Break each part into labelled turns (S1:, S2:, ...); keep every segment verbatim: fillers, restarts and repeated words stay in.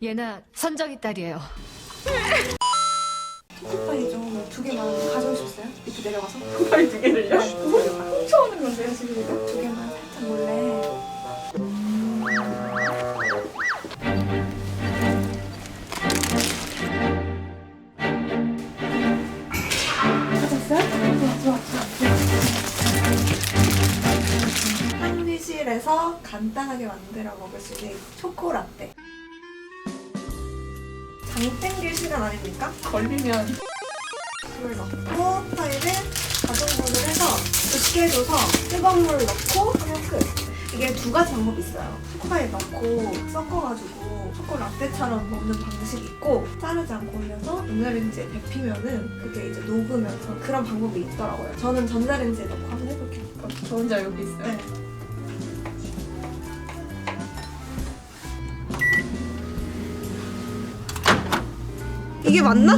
S1: 얘나 선정이 딸이에요.
S2: 초코파이 좀 두 개만 가져오셨어요? 밑에 내려가서?
S3: 초코파이 두 개를요?
S2: 네.
S3: 훔쳐오는 건데요, 지금 이거?
S2: 두 개만 살짝 몰래. 가졌어요? 좋아, 좋아, 좋아. 한의실에서 간단하게 만들어 먹을 수 있는 초코라떼. 장 땡길 시간 아닙니까?
S3: 걸리면
S2: 물 넣고 파이를 가정물을 해서 굳게 해줘서 뜨거운 물 넣고 하면 끝. 이게 두 가지 방법이 있어요. 초코파이 넣고 섞어가지고 초코 라떼처럼 먹는 방식이 있고 자르지 않고 올려서 전자레인지에 데피면은 그게 이제 녹으면서 그런 방법이 있더라고요. 저는 전자레인지에 넣고 한번 해볼게요.
S3: 저 혼자 여기 있어요.
S2: 네. 이게 맞나?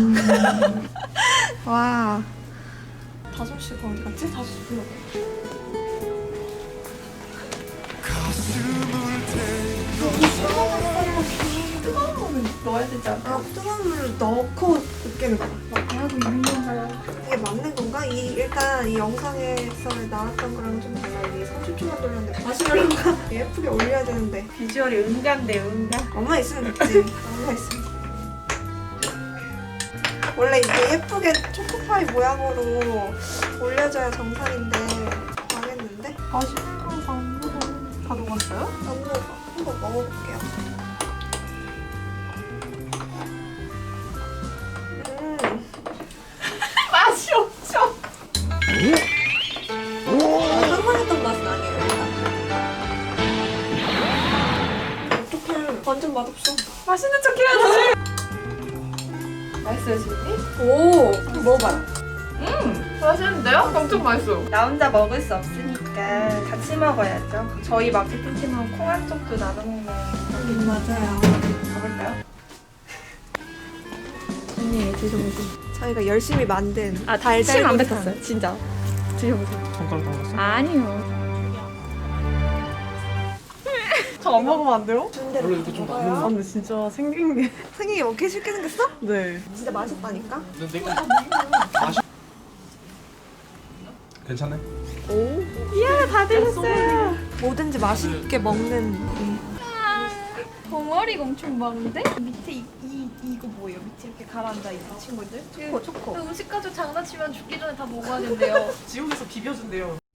S2: 와. 다솜 씨가 어디 갔지? 다솜 씨 불러.
S3: 뜨거운 물을 넣어야 되지 않아?
S2: 아, 뜨거운 물을 넣고 으깨는 거야.
S3: 하고 있는 건가요?
S2: 이게 맞는 건가? 이 일단 이 영상에서 나왔던 거랑 좀 달라. 이게 삼십 초만 돌렸는데 마시멜로가 예쁘게 올려야 되는데
S3: 비주얼이 응가인데 응가.
S2: 엄마 있으면 됐지. 엄마 있으면. 원래 이게 예쁘게 초코파이 모양으로 올려줘야 정상인데 망했는데?
S3: 마시멜로가 안 먹어. 다 녹았어요?
S2: 안 먹어. 한번 먹어볼게요. 음.
S3: 맛이 없죠?
S2: 상상했던 맛은 아니에요, 일단. 어떡해. 완전 맛없어.
S3: 맛있는 척 해야지. 맛있어요, 지금?
S2: 오! 한번 먹어봐요.
S3: 음, 맛있는데요? 엄청 맛있어요. 나 혼자 먹을 수 없으니까 같이 먹어야죠. 저희 마케팅팀은 콩 한 쪽도 나눠 먹는
S2: 음, 맞아요.
S3: 가볼까요?
S2: 언니, 드셔보세요. 저희가 열심히 만든
S3: 아,
S2: 달달
S3: 침 안
S2: 구이탕.
S3: 뱉었어요. 진짜. 드셔보세요.
S4: 손가락 담갔어?
S3: 아니요. 저 안 먹으면 안 돼요?
S2: 준대로
S4: 원래 이렇게 좀
S2: 먹어요.
S4: 많은
S3: 아, 근데 진짜 생긴 게.
S2: 생긴 게 먹기 쉽게 생겼어?
S3: 네.
S2: 진짜 맛있다니까?
S4: 근데 내가 맛이 괜찮네?
S3: 이야, 다 드셨어요.
S2: 뭐든지 맛있게 먹는 이
S5: 덩어리가 엄청 많은데? 밑에 이, 이, 이거 뭐예요? 밑에 이렇게 가라앉아 있는 친구들?
S2: 초코 초코.
S5: 그 음식 가지고 장난치면 죽기 전에 다 먹어야 된대요.
S3: 지옥에서 비벼준대요.